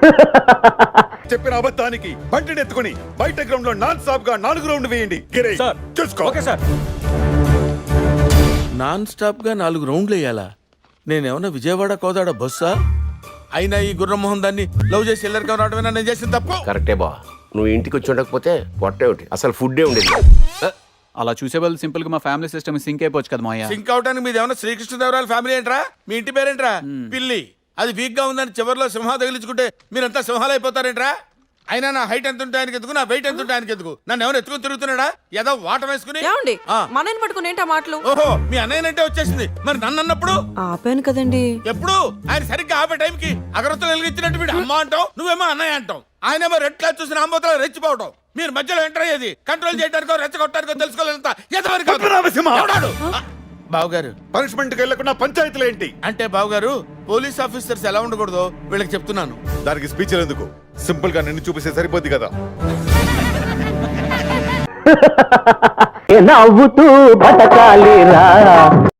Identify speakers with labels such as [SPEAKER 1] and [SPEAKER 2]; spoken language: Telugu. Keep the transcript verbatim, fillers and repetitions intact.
[SPEAKER 1] చెప్పిన అబద్ధానికి బంటిని ఎత్తుకుని బయట గ్రౌండ్ లో నాన్ స్టాప్ గా నాలుగు రౌండ్ వేయండి. గిరి,
[SPEAKER 2] సార్.
[SPEAKER 1] చూసుకో.
[SPEAKER 2] Okay sir.
[SPEAKER 3] నాన్ స్టాప్ గా నాలుగు రౌండ్లు వేయాలా? నేనేమన్నా విజయవాడ కోదాడ బస్సా? అయినా ఈ గుర్రమోహన్ దాన్ని లవ్ చేసి ఎల్లరికం రావడమేనా నేను చేసిన తప్పు?
[SPEAKER 4] కరెక్టే బా, నువ్వు ఇంటికి వచ్చి ఉండకపోతే పొట్టే ఒకటి అసలు ఫుడ్డే ఉండేది.
[SPEAKER 2] అలా చూసే వాళ్ళు సింపుల్ గా మా ఫ్యామిలీ సిస్టమ్ సింక్ అయిపోవచ్చు కదా మాయా.
[SPEAKER 3] సింక్ అవడానికి మీది ఏమన్నా శ్రీకృష్ణదేవరాయల ఫ్యామిలీ ఏంట్రా? మీ ఇంటి పేరేంట్రా? పిల్లి. అది వీక్ గా ఉందని చివరిలో సింహ తగిలించుకుంటే మీరంతా సింహాలు అయిపోతారేంట్రా? అయినా నా హైట్ ఎంత ఉంటే ఆయనకి ఎందుకు, నా వెయిట్ ఎంత ఉంటే ఆయనకి ఎందుకు? నన్ను ఎవరు ఎత్తుకుని తిరుగుతున్నాడా? ఏదో వాట వేసుకుని.
[SPEAKER 5] ఏమండి
[SPEAKER 3] ఆ.
[SPEAKER 5] మనని పట్టుకుని ఏంటా మాటలు?
[SPEAKER 3] ఓహో, మీ అన్నయ్యనంటే వచ్చేసింది. మరి నన్ను అన్నప్పుడు
[SPEAKER 5] ఆపాను కదండి.
[SPEAKER 3] ఎప్పుడు ఆయన సరిగ్గా ఆపే టైంకి అగరత్తులు వెలిగించినట్టు వీడు అమ్మ అంటాం, నువ్వేమో అన్నయ్య అంటాం. ఆయనేమో రెడ్ క్లాస్ చూసిన ఆంబోతలో రెచ్చిపోవటం. మీరు మధ్యలో ఎంటర్ అయ్యేది కంట్రోల్ చేయడానికో రెచ్చగొట్టడానికో తెలుసుకోలేంత బావగారు.
[SPEAKER 1] పనిష్మెంట్ కి వెళ్లకుండా పంచాయతీలు ఏంటి?
[SPEAKER 3] అంటే బావగారు, పోలీస్ ఆఫీసర్స్ ఎలా ఉండకూడదో వీళ్ళకి చెప్తున్నాను.
[SPEAKER 1] దానికి స్పీచ్ ఎందుకు? సింపుల్ గా నిన్ను చూపిస్తే సరిపోద్ది కదా.
[SPEAKER 6] నవ్వుతూ బతకాలిరా.